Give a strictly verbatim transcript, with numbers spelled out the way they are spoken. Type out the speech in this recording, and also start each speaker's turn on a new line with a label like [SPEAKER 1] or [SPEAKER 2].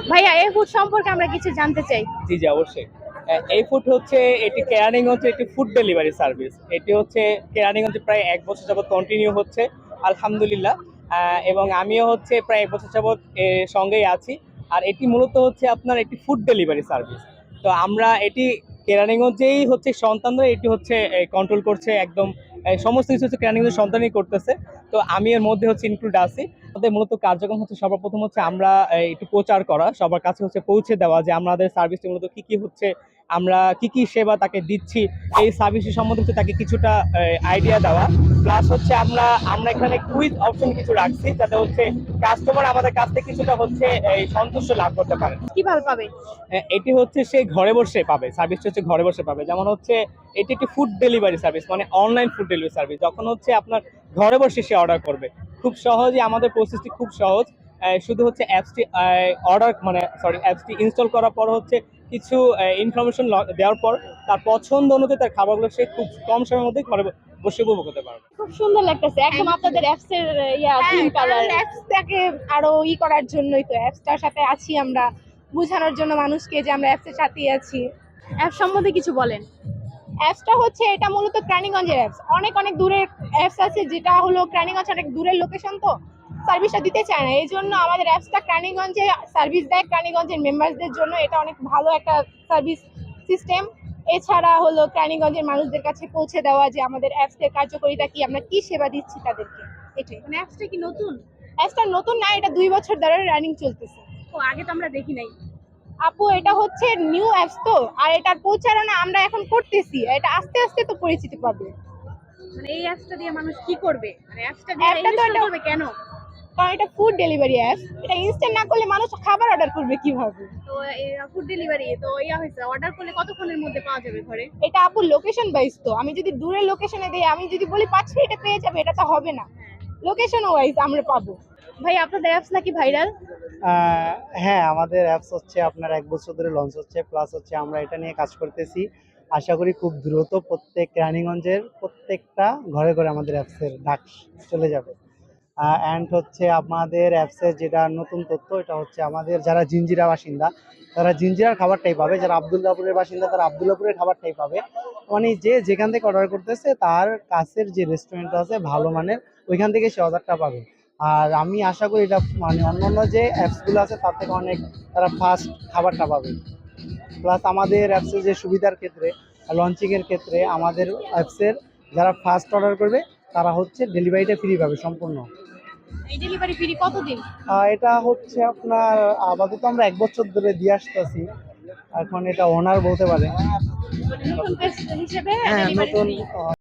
[SPEAKER 1] ভাইয়া এই ফুড সম্পর্কে আমরা কিছু জানতে চাই।
[SPEAKER 2] জি জি অবশ্যই। আহ, এই ফুড হচ্ছে এটি কেরানীগঞ্জে একটি ফুড ডেলিভারি সার্ভিস। এটি হচ্ছে কেরানীগঞ্জে প্রায় এক বছর যাবত কন্টিনিউ হচ্ছে, আলহামদুলিল্লাহ। আহ, এবং আমিও হচ্ছে প্রায় এক বছর যাবত এর সঙ্গেই আছি। আর এটি মূলত হচ্ছে আপনার একটি ফুড ডেলিভারি সার্ভিস। তো আমরা এটি কেরানীগঞ্জেই হচ্ছে সন্তানরা এটি হচ্ছে কন্ট্রোল করছে একদম। আহ, সমস্ত কিছু হচ্ছে কেরানীগঞ্জের সন্তানই করতেছে। তো আমি এর মধ্যে হচ্ছে ইনক্লুড আছি। আমাদের মূলত কার্যক্রম হচ্ছে সর্বপ্রথম হচ্ছে আমরা আহ, একটু প্রচার করা, সবার কাছে হচ্ছে পৌঁছে দেওয়া যে আমাদের সার্ভিসটি মূলত কি কি হচ্ছে, আমরা কি কি সেবা তাকে দিচ্ছি, এই সার্ভিসের সম্বন্ধে হচ্ছে তাকে কিছুটা আইডিয়া দেওয়া। প্লাস হচ্ছে আমরা আমরা এখানে কুইজ অপশন কিছু রাখছি যাতে হচ্ছে কাস্টমার আমাদের কাছ থেকে কিছুটা হচ্ছে এই সন্তুষ্ট লাভ করতে পারে।
[SPEAKER 1] কিভাবে পাবে?
[SPEAKER 2] আহ, এটি হচ্ছে সে ঘরে বসে পাবে, সার্ভিসটা হচ্ছে ঘরে বসে পাবে। যেমন হচ্ছে এটি একটি ফুড ডেলিভারি সার্ভিস, মানে অনলাইন ফুড ডেলিভারি সার্ভিস। যখন হচ্ছে আপনার ঘরে বসে সে অর্ডার করবে, খুব সহজে আমাদের প্রসেসটি খুব সহজ। আহ, শুধু হচ্ছে অ্যাপসটি অর্ডার মানে সরি অ্যাপসটি ইনস্টল করার পর হচ্ছে কিছু ইনফরমেশন দেওয়ার পর তার পছন্দ অনুযায়ী তার খাবারগুলো সে খুব কম সময়ের মধ্যে ঘরে বসে উপভোগ করতে পারবে।
[SPEAKER 1] খুব সুন্দর লাগতেছে একদম আপনাদের অ্যাপস এর ইয়া পিঙ্ক কালার।
[SPEAKER 3] অ্যাপসটাকে আরো ই করার জন্যই তো অ্যাপসটার সাথে আছি আমরা, বোঝানোর জন্য মানুষকে যে আমরা অ্যাপসের সাথেই আছি।
[SPEAKER 1] অ্যাপ সম্বন্ধে কিছু বলেন।
[SPEAKER 3] অ্যাপসটা হচ্ছে এটা মূলত ক্রানীগঞ্জের অ্যাপস। অনেক অনেক দূরের অ্যাপস আছে যেটা হলো ক্রানীগঞ্জ অনেক দূরের লোকেশন, তো সার্ভিসটা দিতে চায় না। এই জন্য আমাদের অ্যাপসটা ক্রানীগঞ্জে সার্ভিস দেয়, ক্রানীগঞ্জের মেম্বারসদের জন্য এটা অনেক ভালো একটা সার্ভিস সিস্টেম। এছাড়া হলো ক্রানীগঞ্জের মানুষদের কাছে পৌঁছে দেওয়া যে আমাদের অ্যাপসের কার্যকারিতা কি, আমরা কি সেবা দিচ্ছি তাদেরকে, এটাই।
[SPEAKER 1] মানে অ্যাপসটা কি নতুন?
[SPEAKER 3] অ্যাপসটা নতুন না, এটা দুই বছর ধরে রানিং চলতেছে।
[SPEAKER 1] ও আগে তো আমরা দেখি নাই।
[SPEAKER 3] আপু এটা হচ্ছে নিউ অ্যাপস তো, আর এটার প্রচারণা আমরা এখন করতেছি, এটা আস্তে আস্তে তো পরিচিতি পাবে।
[SPEAKER 1] মানে এই অ্যাপসটা দিয়ে মানুষ কি করবে, মানে অ্যাপসটা দিয়ে
[SPEAKER 3] অ্যাপটা তো
[SPEAKER 1] ইনস্টল
[SPEAKER 3] এটা-
[SPEAKER 1] করবে কেন?
[SPEAKER 3] কারণ এটা ফুড ডেলিভারি অ্যাপ, এটা ইনস্ট্যান্ট না করলে মানুষ খাবার অর্ডার করবে কিভাবে?
[SPEAKER 1] তো ফুড ডেলিভারি তো ইয়া হয়েছে, অর্ডার করলে কতক্ষণের মধ্যে পাওয়া যাবে ঘরে?
[SPEAKER 3] এটা আপু লোকেশন ওয়াইজ, তো আমি যদি দূরের লোকেশনে দেই, আমি যদি বলি পাঁচ মিনিটে পেয়ে যাবে, এটা তো হবে না। লোকেশন ওয়াইজ আমরা পাবো।
[SPEAKER 1] ভাই আপনাদের অ্যাপস নাকি ভাইরাল?
[SPEAKER 4] আহ, হ্যাঁ, আমাদের অ্যাপস হচ্ছে আপনার এক বছর ধরে লঞ্চ হচ্ছে, প্লাস হচ্ছে আমরা এটা নিয়ে কাজ করতেছি। আশা করি খুব দ্রুত প্রত্যেক রানীগঞ্জের প্রত্যেকটা ঘরে ঘরে আমাদের অ্যাপসের ডাক চলে যাবে। অ্যান্ড হচ্ছে আমাদের অ্যাপসের যেটা নতুন তথ্য, এটা হচ্ছে আমাদের যারা জিঞ্জিরা বাসিন্দা তারা জিঞ্জিরার খাবারটাই পাবে, যারা আবদুল্লাপুরের বাসিন্দা তারা আবদুল্লাপুরের খাবারটাই পাবে। মানে যে যেখান থেকে অর্ডার করতেছে তার কাছের যে রেস্টুরেন্ট আছে ভালো মানের, ওইখান থেকে সে অর্ডারটা পাবে। আর আমি আশা করি এটা মানে অন্যান্য যে অ্যাপসগুলো আছে তার থেকে অনেক তারা ফাস্ট খাবারটা পাবে। প্লাস আমাদের অ্যাপসের যে সুবিধার ক্ষেত্রে, লঞ্চিংয়ের ক্ষেত্রে আমাদের অ্যাপসের যারা ফার্স্ট অর্ডার করবে তারা হচ্ছে ডেলিভারিটা ফ্রি পাবে সম্পূর্ণ।
[SPEAKER 1] এই ডেলিভারি ফ্রি কতদিন?
[SPEAKER 4] আহ, এটা হচ্ছে আপনার আপাতত আমরা এক বছর ধরে দিয়ে আসতেছি, এখন এটা ওনার বলতে পারে।
[SPEAKER 1] নতুন পেজ হিসেবে
[SPEAKER 4] হ্যাঁ,
[SPEAKER 1] ডেলিভারি
[SPEAKER 4] নতুন
[SPEAKER 1] ফ্রি।
[SPEAKER 4] আহ,